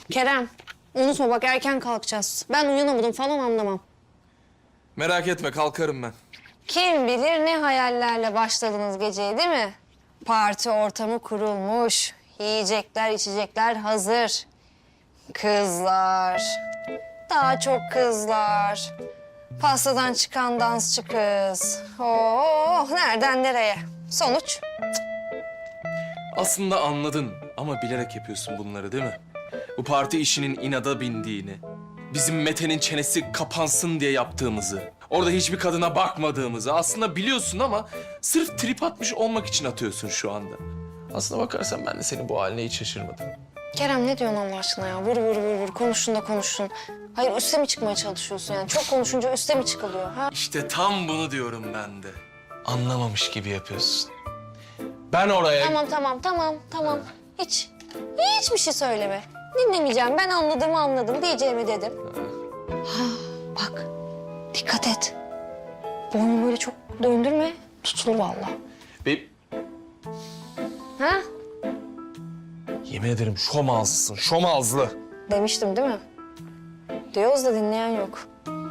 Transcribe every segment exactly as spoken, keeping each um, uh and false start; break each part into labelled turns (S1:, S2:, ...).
S1: Kerem, unutma bak erken kalkacağız. Ben uyanamadım falan anlamam.
S2: Merak etme, kalkarım ben.
S1: Kim bilir ne hayallerle başladınız geceye değil mi? Parti ortamı kurulmuş. Yiyecekler, içecekler hazır. Kızlar. Daha çok kızlar. Pastadan çıkan dansçı kız. Oh, nereden nereye? Sonuç?
S2: Aslında anladın ama bilerek yapıyorsun bunları değil mi? Bu parti işinin inada bindiğini, bizim Mete'nin çenesi kapansın diye yaptığımızı, orada hiçbir kadına bakmadığımızı aslında biliyorsun ama sırf trip atmış olmak için atıyorsun şu anda. Aslına bakarsan ben de senin bu haline hiç şaşırmadım.
S1: Kerem ne diyorsun Allah aşkına ya? Vur vur vur vur. Konuşun da konuşun. Hayır üste mi çıkmaya çalışıyorsun yani? Çok konuşunca üste mi çıkılıyor? Ha?
S2: İşte tam bunu diyorum ben de. Anlamamış gibi yapıyorsun. Ben oraya...
S1: Tamam tamam tamam tamam. Hiç hiçbir şey söyleme. Dinlemeyeceğim. Ben anladığımı anladım diyeceğimi dedim. Ha, bak dikkat et. Boynu böyle çok döndürme. Tutulur vallahi.
S2: Be...
S1: Ha?
S2: Yemin ederim şom ağzlısın, şom ağızlı.
S1: Demiştim değil mi? Diyoruz da dinleyen yok.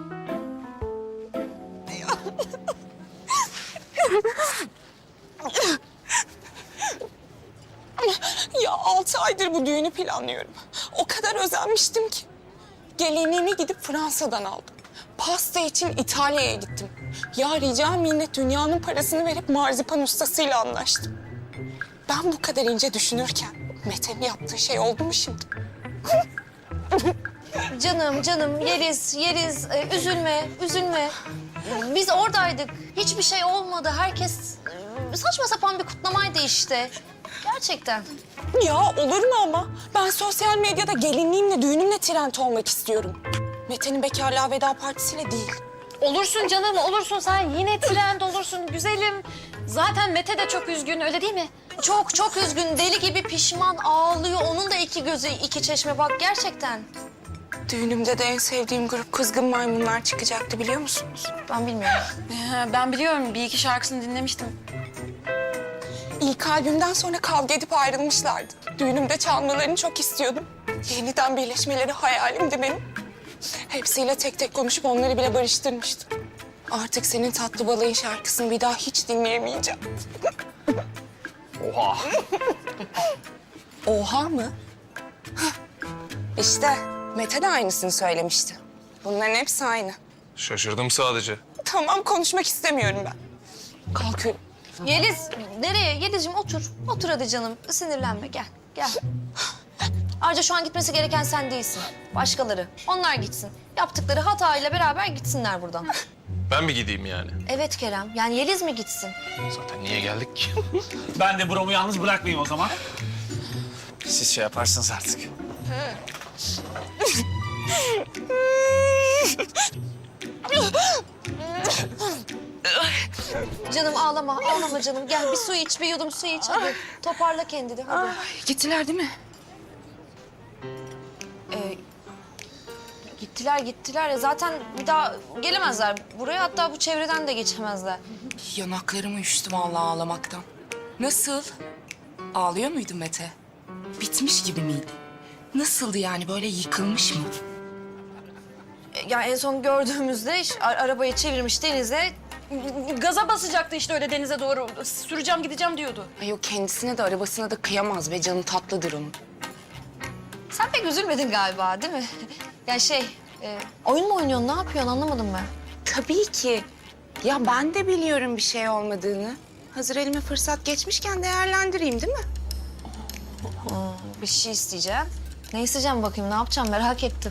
S3: Ya altı aydır bu düğünü planlıyorum. O kadar özenmiştim ki. Gelinliğimi gidip Fransa'dan aldım. Pasta için İtalya'ya gittim. Ya rica minnet dünyanın parasını verip marzipan ustasıyla anlaştım. Ben bu kadar ince düşünürken Mete'nin yaptığı şey oldu mu şimdi?
S1: Canım canım Yeliz Yeliz e, üzülme üzülme. Biz oradaydık. Hiçbir şey olmadı. Herkes e, saçma sapan bir kutlamaydı işte. Gerçekten.
S3: Ya olur mu ama? Ben sosyal medyada gelinliğimle, düğünümle trend olmak istiyorum. Mete'nin bekarlığa veda partisiyle değil.
S4: Olursun canım, olursun. Sen yine trend olursun güzelim. Zaten Mete de çok üzgün, öyle değil mi?
S1: Çok çok üzgün. Deli gibi pişman ağlıyor. Onun da iki gözü iki çeşme bak gerçekten.
S3: Düğünümde de en sevdiğim grup Kızgın Maymunlar çıkacaktı biliyor musunuz?
S1: Ben bilmiyorum.
S4: Ee, ben biliyorum, bir iki şarkısını dinlemiştim.
S3: İlk albümden sonra kavga edip ayrılmışlardı. Düğünümde çalmalarını çok istiyordum. Yeniden birleşmeleri hayalimdi benim. Hepsiyle tek tek konuşup onları bile barıştırmıştım. Artık senin tatlı balayın şarkısını bir daha hiç dinleyemeyeceğim.
S2: Oha!
S3: Oha mı? Hah, İşte Mete de aynısını söylemişti. Bunların hepsi aynı.
S2: Şaşırdım sadece.
S3: Tamam konuşmak istemiyorum ben. Kalkıyorum.
S1: Yeliz nereye? Yelizciğim otur. Otur hadi canım. Sinirlenme gel. Gel. Ayrıca şu an gitmesi gereken sen değilsin. Başkaları. Onlar gitsin. Yaptıkları hatayla beraber gitsinler buradan.
S2: Ben mi gideyim yani?
S1: Evet Kerem. Yani Yeliz mi gitsin?
S2: Zaten niye geldik ki?
S5: Ben de Brom'u yalnız bırakmayayım o zaman. Siz şey yaparsınız artık.
S1: Canım ağlama. Ağlama canım. Gel bir su iç. Bir yudum su iç. Hadi toparla kendini. Hadi.
S3: Gittiler değil mi?
S1: Ee, gittiler gittiler. Ya zaten bir daha gelemezler buraya. Hatta bu çevreden de geçemezler.
S3: Yanaklarım uyuştu vallahi ağlamaktan. Nasıl? Ağlıyor muydu Mete? Bitmiş gibi miydi? Nasıldı yani böyle yıkılmış mı?
S1: Ya en son gördüğümüzde iş- a- arabayı çevirmiş denize.
S4: Gaza basacaktı işte öyle denize doğru. Süreceğim, gideceğim diyordu.
S3: Ay o kendisine de arabasına da kıyamaz ve canı tatlıdır onun.
S1: Sen pek üzülmedin galiba değil mi? Ya şey, e, oyun mu oynuyorsun? Ne yapıyorsun? Anlamadım ben.
S3: Tabii ki. Ya ben de biliyorum bir şey olmadığını. Hazır elime fırsat geçmişken değerlendireyim değil mi?
S1: Bir şey isteyeceğim. Ne isteyeceğim bakayım? Ne yapacağım? Merak ettim.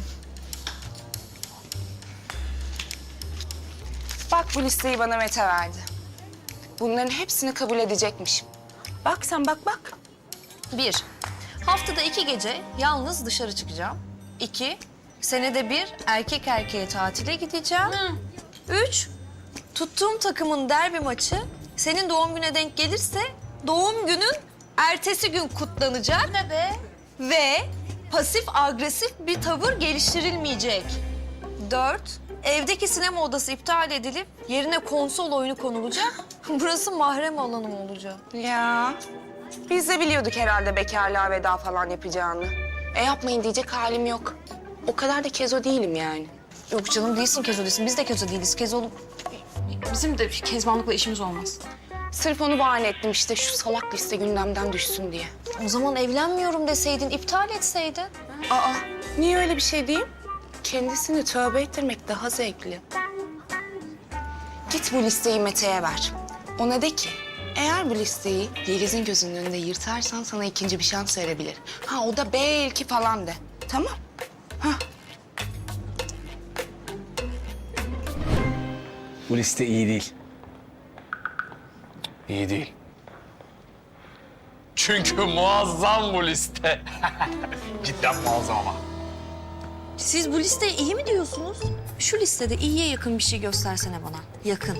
S3: Bak bu listeyi bana Mete verdi. Bunların hepsini kabul edecekmişim. Bak sen bak bak.
S1: Bir, haftada iki gece yalnız dışarı çıkacağım. İki, senede bir erkek erkeğe tatile gideceğim. Üç, tuttuğum takımın derbi maçı senin doğum güne denk gelirse doğum günün ertesi gün kutlanacak. Ne be? Ve pasif agresif bir tavır geliştirilmeyecek. Dört, evdeki sinema odası iptal edilip yerine konsol oyunu konulacak. Burası mahrem alanım olacak.
S3: Ya biz de biliyorduk herhalde bekarlığa veda falan yapacağını. E yapmayın diyecek halim yok. O kadar da kezo değilim yani.
S1: Yok canım değilsin Kezo değilsin. Biz de Kezo değiliz. Kezo olup
S4: Bizim de kezbanlıkla işimiz olmaz.
S3: Sırf onu bahane ettim işte şu salak liste gündemden düşsün diye.
S1: o zaman evlenmiyorum deseydin, iptal etseydin.
S3: Aa, niye öyle bir şey diyeyim? Kendisini tövbe ettirmek daha zevkli. Git bu listeyi Mete'ye ver. Ona de ki, eğer bu listeyi Yeliz'in gözünün önünde yırtarsan sana ikinci bir şans verebilir. Ha o da belki falan de. Tamam.
S5: Bu liste iyi değil. İyi değil.
S2: Çünkü muazzam bu liste.
S5: Cidden muazzam ama.
S1: Siz bu listeye iyi mi diyorsunuz? Şu listede iyiye yakın bir şey göstersene bana. Yakın.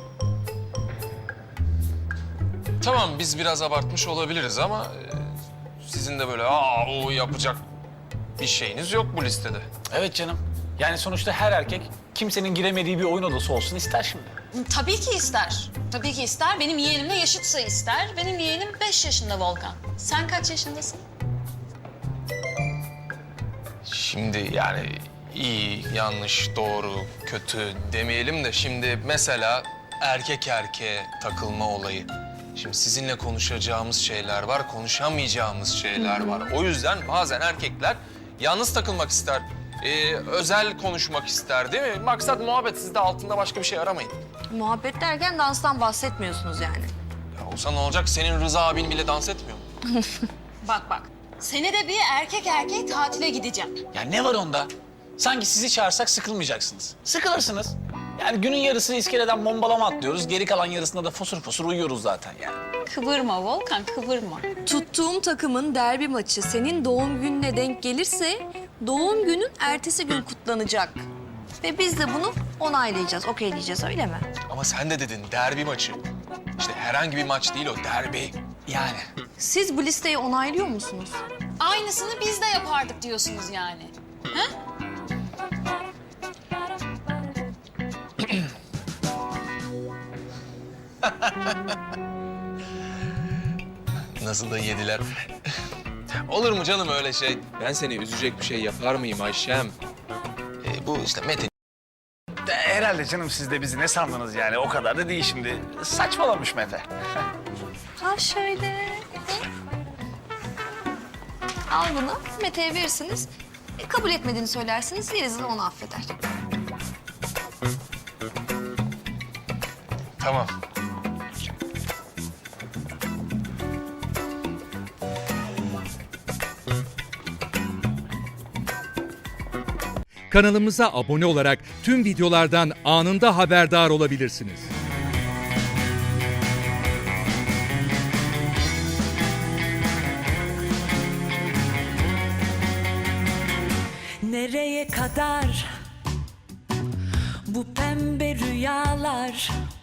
S2: Tamam biz biraz abartmış olabiliriz ama e, sizin de böyle aa o yapacak bir şeyiniz yok bu listede.
S5: Evet canım. Yani sonuçta her erkek kimsenin giremediği bir oyun odası olsun ister şimdi.
S4: Tabii ki ister. Tabii ki ister. Benim yeğenimle yaşıtsa ister. Benim yeğenim beş yaşında Volkan. Sen kaç yaşındasın?
S2: Şimdi yani iyi, yanlış, doğru, kötü demeyelim de şimdi mesela erkek erkeğe takılma olayı. Şimdi sizinle konuşacağımız şeyler var, konuşamayacağımız şeyler var. O yüzden bazen erkekler yalnız takılmak ister, ee, özel konuşmak ister değil mi? Maksat muhabbet, siz de altında başka bir şey aramayın.
S1: Muhabbet derken danstan bahsetmiyorsunuz yani.
S2: Ya olsa ne olacak? Senin Rıza abin bile dans etmiyor mu?
S4: Bak bak. Senede bir erkek erkeğe tatile gideceğim.
S5: Ya ne var onda? Sanki sizi çağırsak sıkılmayacaksınız. Sıkılırsınız. Yani günün yarısı iskeleden bombalama atlıyoruz. Geri kalan yarısında da fosur fosur uyuyoruz zaten yani.
S4: Kıvırma Volkan, kıvırma.
S1: Tuttuğum takımın derbi maçı senin doğum gününe denk gelirse doğum günün ertesi gün kutlanacak. Ve biz de bunu onaylayacağız, okeyleyeceğiz öyle mi?
S2: Ama sen de dedin derbi maçı. İşte herhangi bir maç değil o, derbi.
S5: Yani.
S1: Siz bu listeyi onaylıyor musunuz?
S4: Aynısını biz de yapardık diyorsunuz yani. Ha?
S2: Nasıl da yediler. Olur mu canım öyle şey? Ben seni üzecek bir şey yapar mıyım Ayşem? Ee, bu işte Mete.
S5: De, herhalde canım siz de bizi ne sandınız yani? O kadar da değil şimdi. Saçmalamış Mete.
S1: Ha şöyle. Al bunu, Mete'ye verirsiniz. E, kabul etmediğini söylersiniz, Yeliz de onu affeder.
S2: Tamam.
S6: Kanalımıza abone olarak tüm videolardan anında haberdar olabilirsiniz.
S7: Nereye kadar bu pembe rüyalar?